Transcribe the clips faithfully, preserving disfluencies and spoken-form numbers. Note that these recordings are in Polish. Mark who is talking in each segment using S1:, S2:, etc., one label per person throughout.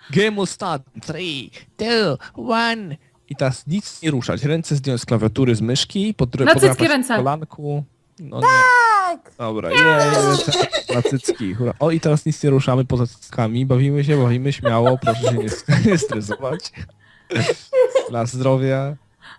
S1: Game will start. three, two, one. I teraz nic nie ruszać. Ręce zdjąć z klawiatury, z myszki, pod
S2: Na cycki
S1: podrapać
S2: ręce.
S1: w kolanku. No
S3: Tak!
S1: nie. Dobra, je, na cycki. Hura. O, i teraz nic nie ruszamy poza cyckami. Bawimy się, bawimy śmiało. Proszę się nie, nie stresować. Dla zdrowia.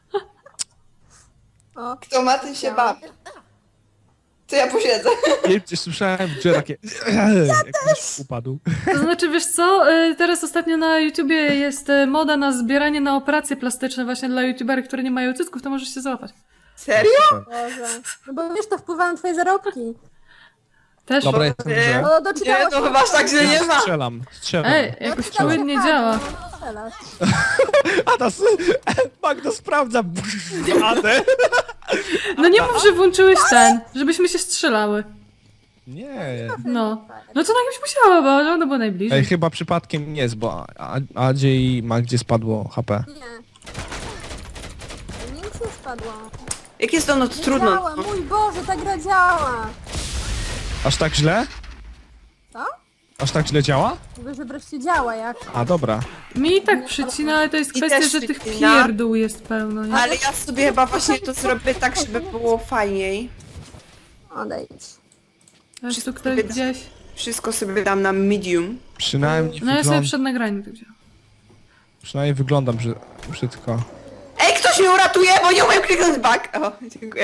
S3: O,
S4: Kto ma, ten się bawi. To ja posiedzę.
S1: Nie, gdzieś słyszałem w grze takie... Jak ktoś upadł.
S2: To znaczy, wiesz co, y, teraz ostatnio na YouTubie jest y, moda na zbieranie na operacje plastyczne właśnie dla youtuberów, które nie mają cycków, to możesz się załapać.
S4: Serio?
S3: Boże. No bo wiesz, to wpływa na twoje zarobki.
S2: Też?
S1: Dobra, jestem w grze.
S3: O,
S4: Nie,
S3: doczytałaś.
S4: to chyba aż tak źle nie ma.
S1: Strzelam, strzelam.
S2: Ej, jakoś płynnie działa.
S3: Strzelasz.
S1: A nas... Magda sprawdza. Adę.
S2: No nie mów, że włączyłeś ten, żebyśmy się strzelały.
S1: Nie.
S2: No. No to na kimś musiała, bo ono było najbliżej.
S1: Ej, chyba przypadkiem nie jest, bo A- Adzie i Magdzie spadło H P.
S3: Nie. Nic nie spadło.
S4: Jak jest to, no to
S3: Nie
S4: trudno.
S3: działa, mój Boże, ta gra działa.
S1: Aż tak źle?
S3: Co?
S1: Aż tak źle działa?
S3: Mówię, że wreszcie działa, jak?
S1: A, dobra.
S2: Mi i tak przycina, ale to jest
S4: I
S2: kwestia,
S4: też
S2: że tych
S4: przycina.
S2: pierdół jest pełno, nie?
S4: Ale ja sobie chyba właśnie to zrobię tak, żeby było fajniej.
S3: Odejdź.
S2: Aż tu ktoś gdzieś...
S4: Wszystko sobie dam na medium.
S1: Przynajmniej,
S2: No ja sobie
S1: wygląd...
S2: przed nagraniem tak wziąłem.
S1: Przynajmniej wyglądam brzy... brzydko.
S4: Ej, ktoś mnie uratuje, bo nie umiem kliknąć back. O, dziękuję.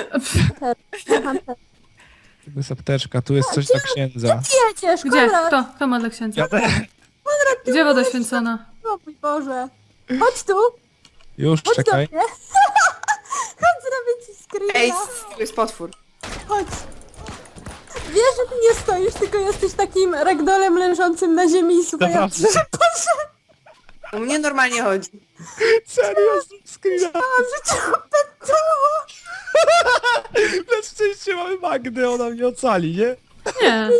S1: Tu jest apteczka, tu jest coś dla księdza.
S3: Jedziesz,
S2: Gdzie?
S3: Konrad!
S2: Kto? Kto ma dla księdza?
S1: Ja te...
S2: Gdzie woda święcona?
S3: O mój Boże. Chodź tu,
S1: Już,
S3: chodź
S1: czekaj.
S3: do mnie. Chodź, zrobię ci
S4: Ej,
S3: screena.
S4: tu jest potwór.
S3: Chodź. Wiesz, że ty nie stoisz, tylko jesteś takim ragdolem leżącym na ziemi i słuchaj,
S1: Naprawdę?
S3: poszedł,
S4: U mnie normalnie chodzi.
S1: Serio, screena.
S3: że cię opętało.
S1: Na szczęście mamy Magdę, ona mnie ocali, nie?
S2: Nie.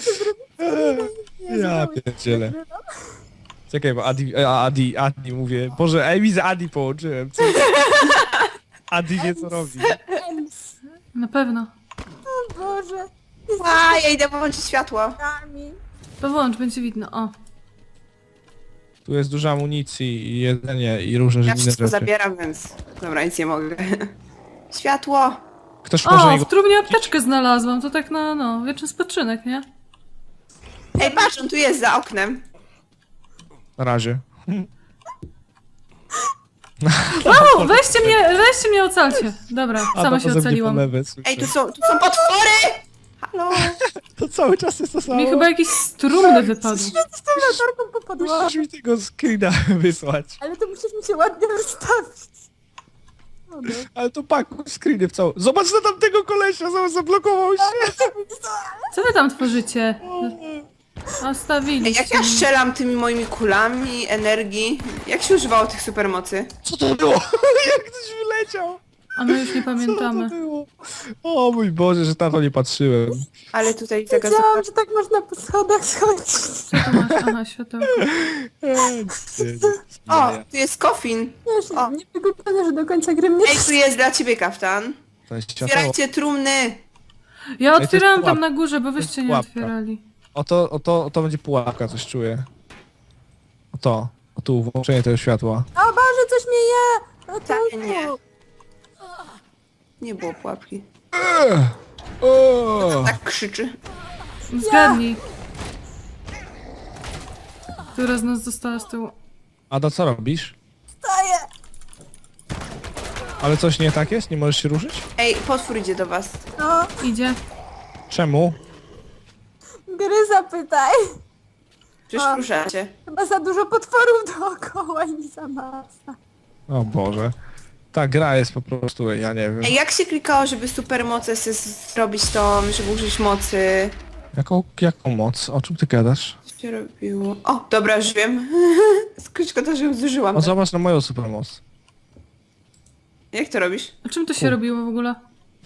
S1: Ja pierdzielę. Czekaj, bo Adi, a, Adi, Adi mówię. Boże, ej, widzę Adi połączyłem. Co? Adi wie co robi.
S3: Ems.
S2: Na pewno.
S3: O Boże.
S4: A, ja idę włączyć światło.
S3: Nami.
S2: To włącz, będzie widno. O.
S1: Tu jest dużo amunicji i jedzenie i różne
S4: Ja
S1: inne
S4: wszystko
S1: rzeczy.
S4: zabieram, więc... Dobra, nic nie mogę. Światło!
S1: Ktoś może
S2: O,
S1: jego...
S2: w trumnie apteczkę znalazłam. To tak na, no, wieczny spoczynek, nie?
S4: Ej, patrz, on tu jest za oknem.
S1: Na razie.
S2: O, weźcie mnie, weźcie mnie, ocalcie. Dobra, sama się ocaliłam.
S4: Ej, tu są, tu są potwory! Halo!
S1: To cały czas jest to samo.
S2: Mi chyba jakiś strumny wypadł.
S3: Z tą latarką popadła.
S1: Musisz mi tego screena wysłać.
S3: Ale to musisz mi się ładnie rozstawić. O, no.
S1: Ale to pakuj screeny w całą... Zobacz na tamtego kolesia, zobacz, zablokował się.
S2: Co wy tam tworzycie?
S4: Ej,
S2: Ostawiliście.
S4: jak ja strzelam tymi moimi kulami energii? Jak się używało tych supermocy?
S1: Co to było? Jak ktoś wyleciał?
S2: A my już nie
S1: Co to
S2: pamiętamy.
S1: było? O mój Boże, że na to nie patrzyłem.
S4: Ale tutaj taka
S3: Wiedziałam, że tak można po schodach schodzić.
S2: Co tu masz? Aha, światełko.
S1: Eee,
S4: O, tu jest kofin.
S3: Wiesz,
S4: O.
S3: nie wygłupione, że do końca gry mnie...
S4: Ej, tu jest dla ciebie kaftan.
S1: To jest światło.
S4: Otwierajcie trumny.
S2: Ja otwierałam
S1: pułapka.
S2: tam na górze, bo wyście nie
S1: pułapka.
S2: otwierali.
S1: O to, o to, o to będzie pułapka, coś czuję. O to, o tu, włączenie tego światła.
S3: O Boże, coś mnie je! O,
S4: Tak,
S3: to
S4: nie. Nie było pułapki.
S1: O!
S4: Tak krzyczy.
S2: Zgadnij. Która z nas została z tyłu?
S1: Ada, co robisz?
S3: Staję!
S1: Ale coś nie tak jest? Nie możesz się ruszyć?
S4: Ej, potwór idzie do was.
S3: No,
S2: Idzie.
S1: Czemu?
S3: gry zapytaj.
S4: Przecież
S3: O.
S4: ruszacie.
S3: Chyba za dużo potworów dookoła i za masa.
S1: O Boże. Ta gra jest po prostu, ja nie wiem.
S4: Ej, jak się klikało, żeby supermoce sobie zrobić to, żeby użyć mocy?
S1: Jaką, jaką moc? O czym ty gadasz?
S4: Co się robiło? O, dobra, już wiem. Szkoda, że ją zużyłam.
S1: O, zobacz na moją supermoc.
S4: Jak to robisz?
S2: A czym to się robiło w ogóle?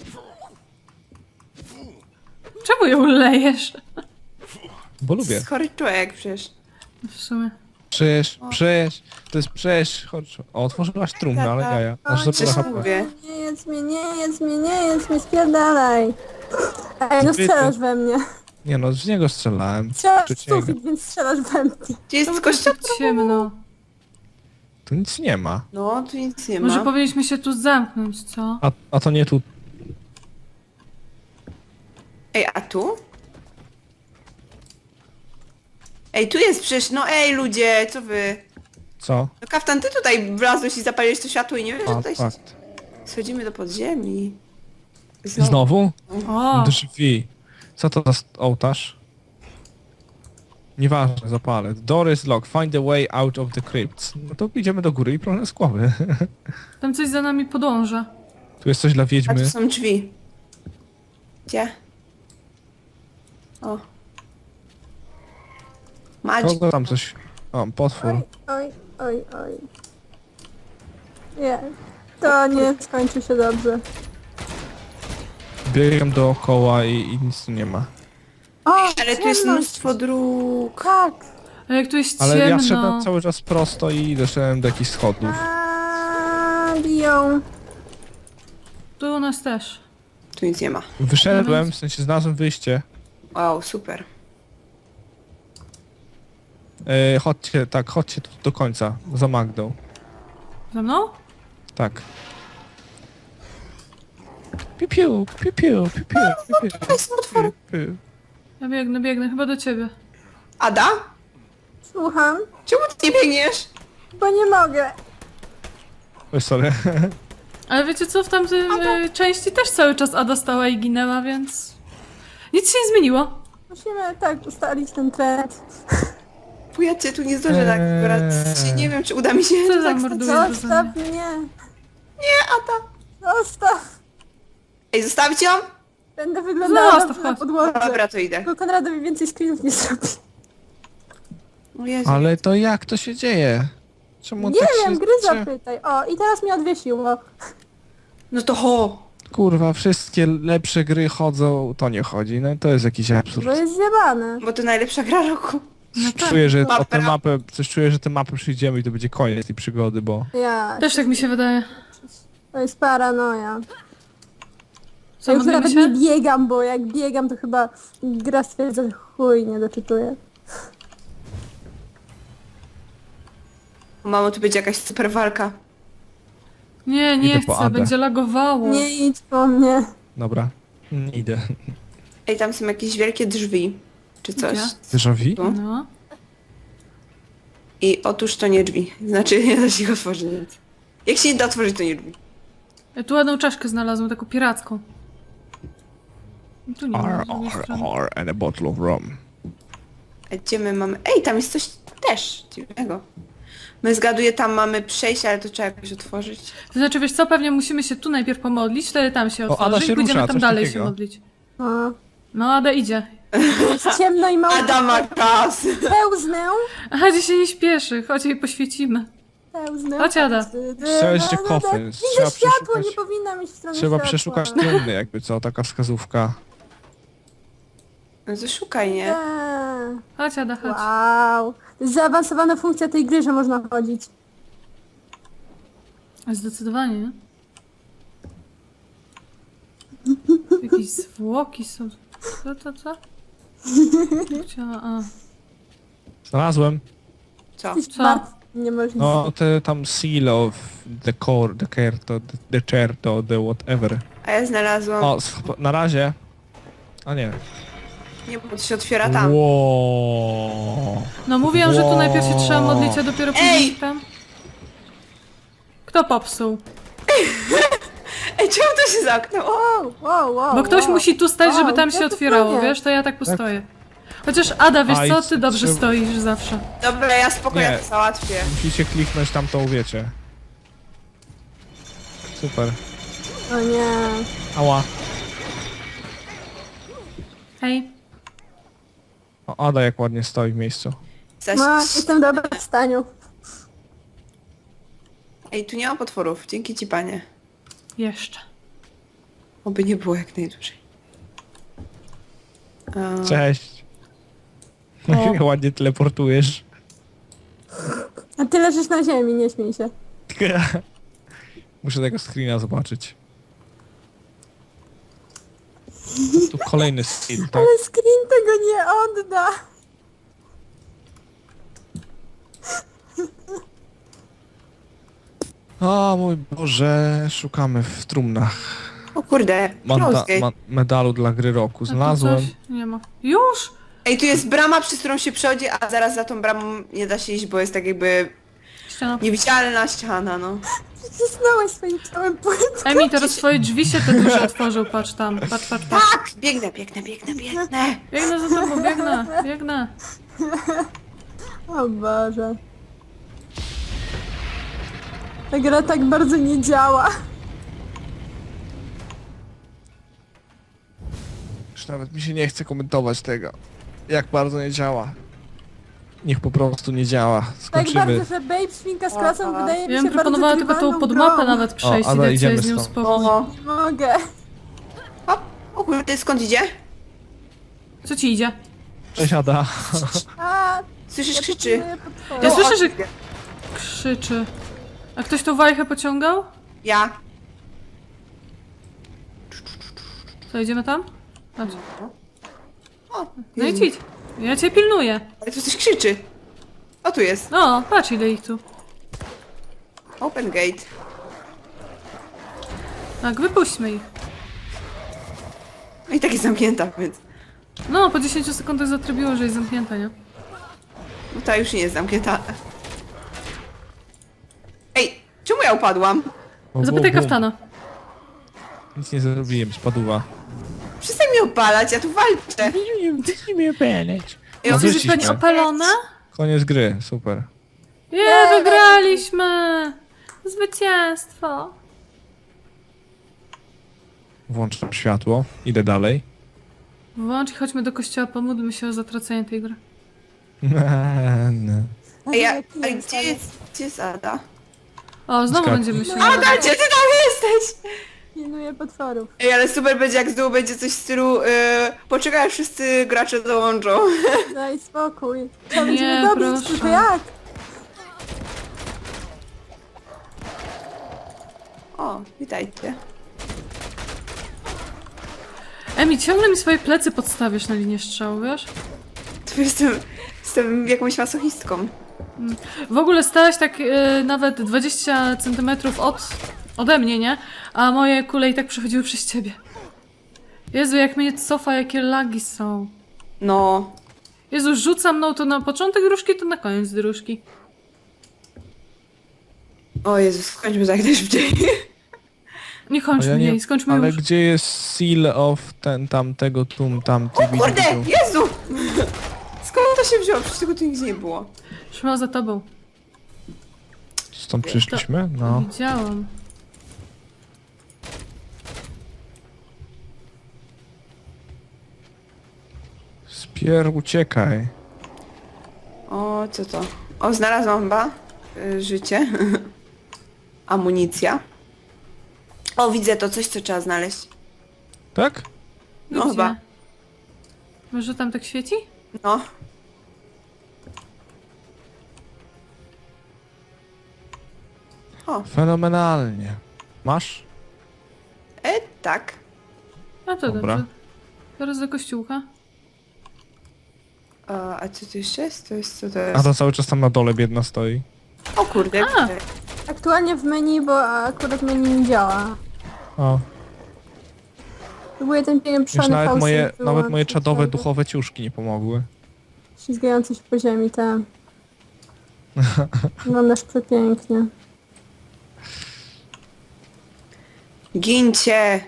S2: Czemu ją lejesz?
S1: Bo lubię.
S4: Z chory człowiek przecież.
S2: W sumie.
S1: Przecież, przecież, to jest przecież, chodź. O, otworzyłaś trumnę, ale jaja. Aż za
S4: Przecież
S1: H P.
S4: mówię.
S3: Nie jedz mnie, nie jedz mnie, nie jedz mnie, spierdalaj. Ej, no
S1: Zbyty.
S3: strzelasz we mnie.
S1: Nie no, z niego strzelałem.
S3: Strzelasz w
S1: Przeciwnie.
S3: sufit, więc strzelasz we mnie.
S4: Gdzie jest
S2: To
S4: kościół?
S2: tak ciemno.
S1: Tu nic nie ma.
S4: No, tu nic nie ma.
S2: Może powinniśmy się tu zamknąć, co?
S1: A, a to nie tu.
S4: Ej, a tu? Ej, tu jest przecież, no ej ludzie, co wy?
S1: Co?
S4: No Kaftan, ty tutaj wlazłeś i zapaliłeś to światło i nie wiesz, że
S1: A,
S4: tutaj
S1: fakt.
S4: schodzimy do podziemi.
S1: Znowu?
S2: O!
S1: Drzwi. Co to za st- ołtarz? Nieważne, zapalę. The door is locked. Find a way out of the crypts. No to idziemy do góry i problem z głowy.
S2: Tam coś za nami podąża.
S1: Tu jest coś dla
S4: A
S1: wiedźmy.
S4: tu są drzwi. Gdzie? O. Magic.
S1: Kogo tam coś... O, potwór.
S3: Oj, oj, oj, oj. Nie. To nie skończy się dobrze.
S1: Biegam dookoła i, i nic tu nie ma.
S3: O,
S4: Ale tu jest
S3: ciemność.
S4: mnóstwo dróg.
S3: Tak.
S2: A jak tu jest
S1: Ale ja
S2: ciemno.
S1: szedłem cały czas prosto i doszedłem do jakichś schodów.
S3: A, biją.
S2: Tu u nas też.
S4: Tu nic nie ma.
S1: Wyszedłem, w sensie znalazłem wyjście.
S4: Wow, super.
S1: E, chodźcie, tak, chodźcie tu do końca. Za Magdą.
S2: Ze mną?
S1: Tak. Piu, piu, piu, piu, piu, piu, piu, piu,
S4: To są otwory.
S1: piu.
S2: Ja biegnę, biegnę, chyba do ciebie.
S4: Ada?
S3: Słucham,
S4: Czemu ty nie biegniesz?
S3: bo nie mogę.
S1: Oj, sorry.
S2: Ale wiecie co, w tamtej e, części też cały czas Ada stała i ginęła, więc... Nic się nie zmieniło.
S3: Musimy tak ustalić ten trend.
S4: Bo ja cię tu nie zdążę tak
S1: Eee.
S4: wybrać. Nie wiem, czy uda mi się
S2: Co
S4: tak
S2: za
S4: stać.
S2: morduje
S3: Zostaw mnie.
S4: Nie, Ada.
S3: Zostaw.
S4: Ej, zostawić ją?
S3: Będę wyglądała
S2: Zostaw,
S3: dobrze na
S2: chodź.
S3: podłodze.
S4: Dobra, to idę.
S3: Tylko Konradowi więcej screenów nie zrobi.
S4: O Jezu.
S1: Ale to jak to się dzieje? Czemu
S3: Nie
S1: tak
S3: wiem,
S1: się...
S3: gry
S1: czy-
S3: zapytaj. O, i teraz mnie odwiesiło.
S4: No to ho.
S1: Kurwa, wszystkie lepsze gry chodzą, to nie chodzi. No to jest jakiś absurd.
S3: Bo jest zjebane.
S4: Bo to najlepsza gra roku.
S2: No tak.
S1: Czuję, że o
S4: Mapę.
S1: tę mapę, coś czuję, że tę mapę przyjdziemy i to będzie koniec tej przygody, bo...
S3: Ja.
S2: Też tak mi się wydaje.
S3: To jest paranoja.
S2: Co,
S3: Ja już
S2: modlimy
S3: nawet
S2: się?
S3: nie biegam, bo jak biegam, to chyba gra stwierdza, że chuj, nie doczytuję.
S4: O, mamo, tu będzie jakaś super walka.
S2: Nie, nie
S1: Idę po
S2: chcę,
S1: Adę.
S2: będzie lagowało.
S3: Nie idź po mnie.
S1: Dobra, nie idę.
S4: Ej, tam są jakieś wielkie drzwi. Czy coś.
S2: Gdzie?
S1: Déjà vu?
S4: Tu.
S2: No.
S4: I otóż to nie drzwi. Znaczy, nie da się ich otworzyć. Więc. Jak się nie da otworzyć, to nie drzwi.
S2: Ja tu ładną czaszkę znalazłem, taką piracką. No tu nie ma
S1: R,
S2: z drugiej
S1: R,
S2: strony.
S1: R and a bottle of rum.
S4: A gdzie my mamy... Ej, tam jest coś też dziwnego. My zgaduję, tam mamy przejście, ale to trzeba jakoś otworzyć.
S2: To znaczy, wiesz co, pewnie musimy się tu najpierw pomodlić, wtedy tam się
S1: O, Ada
S2: otworzy
S1: się
S2: i pójdziemy
S1: rusza,
S2: tam
S1: coś
S2: dalej
S1: takiego.
S2: się modlić.
S3: O,
S2: No, Ada idzie.
S3: jest ciemno i mało.
S4: Adama kas!
S3: Pełznę.
S2: Aha, gdzie się nie śpieszy, chodź jej poświecimy.
S3: Pełznę.
S2: Chodź, Ada.
S1: Strzelić się kofy.
S3: Widzę
S1: Trzeba
S3: światło,
S1: przeszukać-
S3: nie powinna mieć w stronę
S1: Trzeba
S3: światła.
S1: przeszukać trumny, jakby co, taka wskazówka.
S4: No to szukaj, nie?
S3: Eee,
S2: Chodź, Ada, chodź.
S3: Wow. To jest zaawansowana funkcja tej gry, że można chodzić.
S2: Zdecydowanie, nie? Jakieś zwłoki są. Co, co, co? Chciała, a.
S1: Znalazłem.
S4: Co?
S3: Jesteś
S2: Co?
S3: bardzo niemożliwe.
S1: No, te tam seal of the core, the kerto, the, the certo, the whatever.
S4: A ja znalazłam...
S1: O, sp- na razie. A nie.
S4: Nie, bo to się otwiera tam.
S1: Wow.
S2: No mówiłam, że tu najpierw się trzeba modlić, a dopiero później
S4: Ej!
S2: tam. Kto popsuł?
S4: Ej, czemu to się zamknęło?
S3: Wow, wow, wow,
S2: Bo ktoś
S3: wow.
S2: musi tu stać, żeby
S3: Wow,
S2: tam
S3: ja
S2: się
S3: to
S2: otwierało,
S3: powiem.
S2: wiesz? To ja tak postoję. Chociaż Ada, wiesz
S1: A, i
S2: co? Ty dobrze
S1: trzeba-
S2: stoisz zawsze.
S4: Dobra, ja spokojnie
S1: Nie.
S4: to załatwię.
S1: Musicie kliknąć tam, to uwiecie. Super.
S3: O nie.
S1: Ała.
S2: Hej.
S1: O, Ada jak ładnie stoi w miejscu.
S4: Zaś...
S3: No, jestem w dobrym staniu.
S4: Ej, tu nie ma potworów. Dzięki ci, panie.
S2: Jeszcze.
S4: Oby nie było jak najdłużej. A,
S1: Cześć.
S2: O.
S1: Ładnie teleportujesz.
S3: A ty leżysz na ziemi, nie śmiej się.
S1: Muszę tego screena zobaczyć. Tu kolejny skill, tak?
S3: Ale screen tego nie odda.
S1: O mój Boże, szukamy w trumnach.
S4: O kurde,
S1: Manda,
S4: close
S1: ma,
S4: gate.
S1: medalu dla gry roku.
S2: A tu
S1: Znalazłem.
S2: coś? Nie ma. Już?
S4: Ej, tu jest brama, przez którą się przechodzi, a zaraz za tą bramą nie da się iść, bo jest tak jakby
S2: Ściana.
S4: niewidzialna ściana, no.
S3: Przycisnąłeś swoim ciałem płytę.
S2: Emi, teraz swoje drzwi się te duże otworzył, patrz tam, patrz, patrz, patrz.
S4: Tak! Biegnę, biegnę, biegnę, biegnę.
S2: Biegnę za tobą, biegnę, biegnę.
S3: O Boże. Ta gra tak bardzo nie działa.
S1: Już nawet mi się nie chce komentować tego. Jak bardzo nie działa. Niech po prostu nie działa.
S3: Tak
S1: Skończymy.
S3: bardzo, że Babe Świnka z klasą
S4: Aha.
S3: wydaje mi
S2: Ja
S3: się
S2: bym proponowała
S3: bardzo
S2: tylko tą
S3: grywalną
S2: podmapę
S3: grą.
S2: nawet przejść
S1: O,
S2: i
S1: Ada,
S2: dać sobie
S1: idziemy
S2: z nią
S1: stąd.
S2: spokój.
S4: Oho.
S3: Nie mogę.
S4: Hop. O kurde, skąd idzie?
S2: Co ci idzie?
S1: Cześć Ada.
S3: A,
S4: Słyszysz,
S3: ja
S4: krzyczy.
S3: potrzebuję potwory.
S2: Ja
S4: No,
S2: słyszę,
S4: o,
S2: że krzyczy. A ktoś tą wajchę pociągał?
S4: Ja.
S2: Co, idziemy tam? Chodź.
S4: O,
S2: No idź, idź. Ja cię pilnuję.
S4: ale tu coś krzyczy. O, tu jest.
S2: No, patrz ile ich tu.
S4: Open gate.
S2: Tak, wypuśćmy ich.
S4: No i tak jest zamknięta, więc...
S2: No, po dziesięciu sekundach zatrybiło, że jest zamknięta, nie?
S4: No ta już nie jest zamknięta. Ej, czemu ja upadłam?
S1: O,
S2: Zapytaj
S1: bum, bum.
S2: kaftana.
S1: Nic nie zrobiłem, spadła.
S4: Przestań mnie opalać, ja tu walczę.
S1: Ty mnie opalać.
S4: Ej,
S1: No
S2: Chcesz
S1: wyszliśmy.
S2: być pani opalona?
S1: Koniec gry, super.
S2: Je, wygraliśmy! Zwycięstwo!
S1: Włączam światło, idę dalej.
S2: Włącz i chodźmy do kościoła, pomódlmy się o zatracenie tej gry.
S4: Ej, a,
S3: Jaki
S4: a
S3: jest,
S4: gdzie jest, gdzie jest Ada?
S2: O, znowu
S1: Skak-
S2: będziemy się...
S4: Ada, gdzie ty tam jesteś?
S3: Pilnuję potworów.
S4: Ej, ale super będzie, jak z dołu będzie coś w stylu yy, poczekaj, aż wszyscy gracze dołączą.
S3: Daj spokój. Trzeba
S2: Nie,
S3: będziemy dobić,
S2: proszę.
S3: tylko jak?
S4: O, witajcie.
S2: Emi, ciągle mi swoje plecy podstawiasz na linię strzału, wiesz?
S4: Tu jestem, jestem jakąś masochistką.
S2: W ogóle stałaś tak e, nawet dwadzieścia centymetrów od, ode mnie, nie? A moje kule i tak przechodziły przez ciebie. Jezu, jak mnie cofa, jakie lagi są.
S4: No.
S2: Jezu, rzucam mną to na początek dróżki, to na koniec dróżki.
S4: O Jezus, skończmy tak najszybciej.
S2: Nie kończmy
S1: Ale ja nie-
S2: jej, skończmy
S1: Ale
S2: już.
S1: gdzie jest seal of ten, tamtego, tum, tamty,
S4: O kurde,
S1: widział.
S4: Jezu! Skąd to się wzięło? Przecież tego tu nigdzie nie było.
S2: Szła za tobą.
S1: Stąd przyszliśmy? No.
S2: Widziałam.
S1: Spier, uciekaj.
S4: O, co to? O, znalazłam chyba y, życie. Amunicja. O, widzę to, coś co trzeba znaleźć.
S1: Tak?
S4: No
S2: Gdzie?
S4: chyba.
S2: Może tam tak świeci?
S4: No. O,
S1: Fenomenalnie. Masz?
S4: e, tak.
S2: A to
S1: Dobra.
S2: dobrze. Teraz do kościółka.
S4: A, a co to jeszcze jest? To jest, co to
S1: A
S4: jest?
S1: to cały czas tam na dole biedna stoi.
S4: O kurde,
S2: A.
S4: widzę.
S3: Aktualnie w menu, bo akurat menu nie działa.
S1: O.
S3: Próbuję ten
S1: Już
S3: pieprzony
S1: nawet
S3: fałszyk
S1: moje, nawet moje
S3: wyłączyć,
S1: czadowe,
S3: żeby-
S1: duchowe ciuszki nie pomogły.
S3: Ślizgający się po ziemi, te. Wyglądasz przepięknie.
S4: Gincie!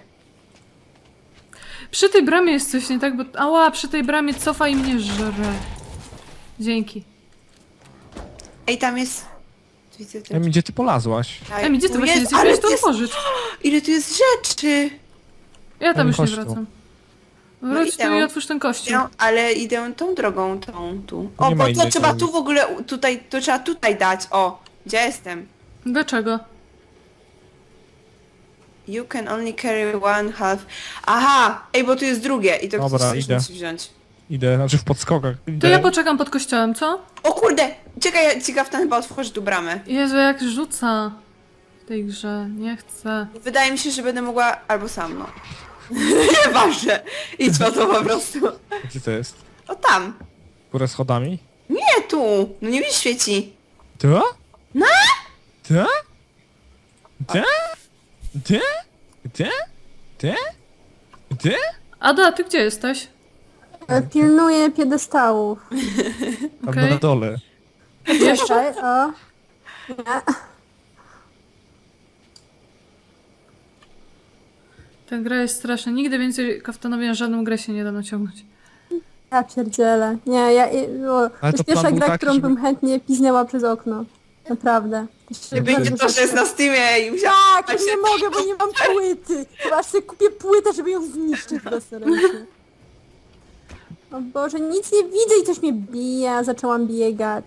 S2: Przy tej bramie jest coś nie tak, bo... Ała, przy tej bramie cofa i mnie żre. Dzięki.
S4: Ej, tam jest... Widzę ten...
S1: Emi, gdzie ty polazłaś?
S4: Aj,
S2: Emi, gdzie ty
S4: tu
S2: właśnie
S4: jest,
S2: jesteś?
S4: ale
S2: Miałeś to
S4: jest...
S2: otworzyć.
S4: Ile tu jest rzeczy!
S2: Ja tam
S1: Emi,
S2: już nie
S1: chodź tu.
S2: wracam.
S4: No
S2: Wróć tu
S4: idę.
S2: i otwórz ten kościół.
S4: Idę, ale idę tą drogą, tą tu. O,
S1: Nie ma
S4: bo to
S1: innej
S4: trzeba
S1: drogi.
S4: tu w ogóle, u- tutaj, to trzeba tutaj dać. O, gdzie jestem?
S2: Dlaczego?
S4: You can only carry one half. Aha! Ej, bo tu jest drugie i to
S1: Dobra,
S4: ktoś też
S1: idę.
S4: musi wziąć.
S1: Idę, znaczy w podskokach.
S2: To
S1: Idę.
S2: ja poczekam pod kościołem, co?
S4: O kurde! Czekaj, ja- ciekaw ten chyba otworzy tu bramę.
S2: Jezu, jak rzuca w tej grze. Nie chcę.
S4: Wydaje mi się, że będę mogła albo sam, no. Nieważne. Idź po to po prostu.
S1: Gdzie to jest?
S4: O tam.
S1: Górę schodami?
S4: Nie tu. No nie widzisz świeci.
S1: To?
S4: No?
S1: To? To? To? To? To? To?
S2: Ada, ty gdzie jesteś?
S3: E, Pilnuję piedestałów.
S1: Tam
S2: Okej.
S1: na dole.
S3: Czekaj, o. Nie.
S2: Ta gra jest straszna. Nigdy więcej kaftanowi na żadną grę się nie da naciągnąć.
S3: Ja pierdzielę. Nie, ja... i- O, to
S1: Ale
S3: jest
S1: to
S3: pierwsza
S1: plan był
S3: gra,
S1: taki,
S3: którą
S1: żeby-
S3: bym chętnie piznęła przez okno. Naprawdę. To się
S1: Nie
S3: bardzo
S4: Będzie to, że jest na Steamie i musiałam...
S3: Tak, nie mogę, bo nie mam płyty. Chyba aż sobie kupię płytę, żeby ją zniszczyć bezręcznie. O Boże, nic nie widzę i coś mnie bije, a zaczęłam biegać.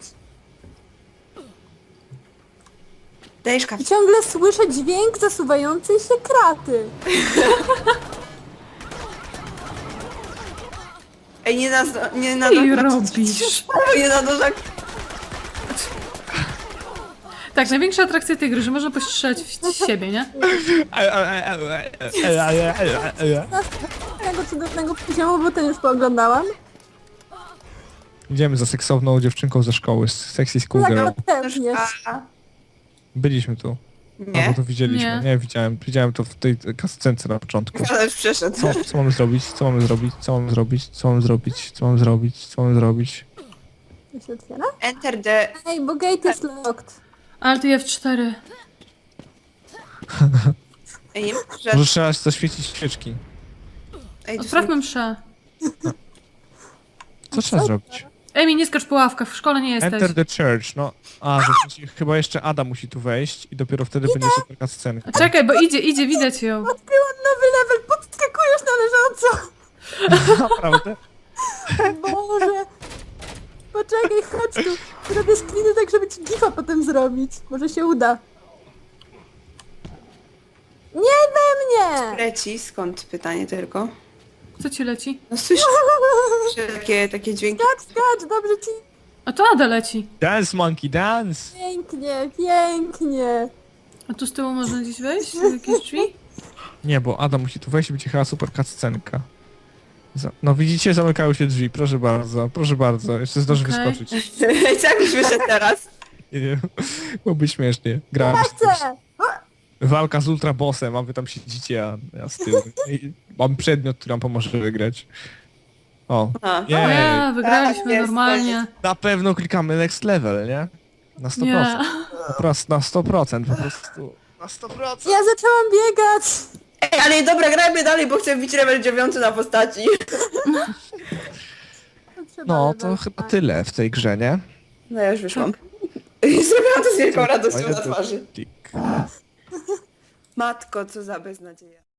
S4: Dajesz
S3: I
S4: kawę.
S3: ciągle słyszę dźwięk zasuwającej się kraty.
S4: Ej, nie na... Nie na...
S2: Co ty
S4: na-
S2: robisz?
S4: Nie na nożach.
S2: Tak, największa atrakcja tej gry, że można postrzelać w siebie, nie?
S3: Tego cudownego poziomu, bo ten już pooglądałam.
S1: Idziemy za seksowną dziewczynką ze szkoły, z Sexy School Girl.
S3: Tak, pewnie.
S4: A,
S1: Byliśmy tu.
S4: nie.
S1: Albo to widzieliśmy.
S2: Nie.
S1: Nie, widziałem. Widziałem to w tej kascence na początku.
S4: Ale już przeszedł.
S1: Co, co mamy zrobić? Co mamy zrobić? Co mamy zrobić? Co mamy zrobić? Co mamy zrobić? Co mamy zrobić?
S3: To się otwiera?
S4: Enter the...
S3: Ej, bo gate jest locked.
S2: Alt F cztery.
S4: Ej, nie że...
S1: Może trzeba zaświecić świeczki.
S4: Ej, tu
S2: Odprawmy mszę.
S1: Co trzeba zrobić?
S2: Emi, nie skacz po ławkach, w szkole nie jesteś.
S1: Enter the church. No, a, że w sensie chyba jeszcze Ada musi tu wejść i dopiero wtedy będzie super cutscenka.
S2: A czekaj, bo idzie, idzie, widać ją.
S3: Odkryłam nowy level, podskakujesz na leżąco.
S1: Naprawdę?
S3: Boże. Poczekaj, chodź tu. Robię screeny tak, żeby ci gifa potem zrobić. Może się uda. Nie we mnie!
S4: leci, skąd pytanie tylko?
S2: Co ci leci?
S4: No słyszę że takie, takie dźwięki.
S3: Tak, skacz, dobrze ci.
S2: A to Ada leci.
S1: Dance monkey, dance!
S3: Pięknie, pięknie.
S2: A tu z tyłu można gdzieś wejść? W jakieś drzwi?
S1: Nie, bo Ada musi tu wejść i będzie chyba super cutscenka. Za- No widzicie, zamykają się drzwi, proszę bardzo, proszę bardzo, jeszcze zdąży
S2: Okej.
S1: wyskoczyć.
S4: Ej, co jakbyś wyszedł teraz?
S1: Nie wiem, byłoby śmiesznie. Gra,
S3: Chcę!
S1: walka z ultrabossem, a wy tam siedzicie, a ja z tyłu. I mam przedmiot, który nam pomoże wygrać. O,
S4: A.
S2: O
S1: jej,
S2: ja, wygraliśmy
S4: Tak, jest,
S2: normalnie.
S1: na pewno klikamy next level, nie? Na sto
S2: Nie.
S1: procent. Po prostu, na sto procent, po prostu. Na sto procent.
S3: Ja zaczęłam biegać!
S4: Ej, ale dobra, grajmy dalej, bo chcę bić level dziewiąty na postaci.
S3: Trzeba
S1: No,
S3: level
S1: to chyba
S3: spać.
S1: tyle w tej grze, nie?
S4: No ja już wyszłam. I zrobiłam to z wielką radością na
S1: Fajny
S4: twarzy.
S1: tik.
S4: Matko, co za beznadzieja.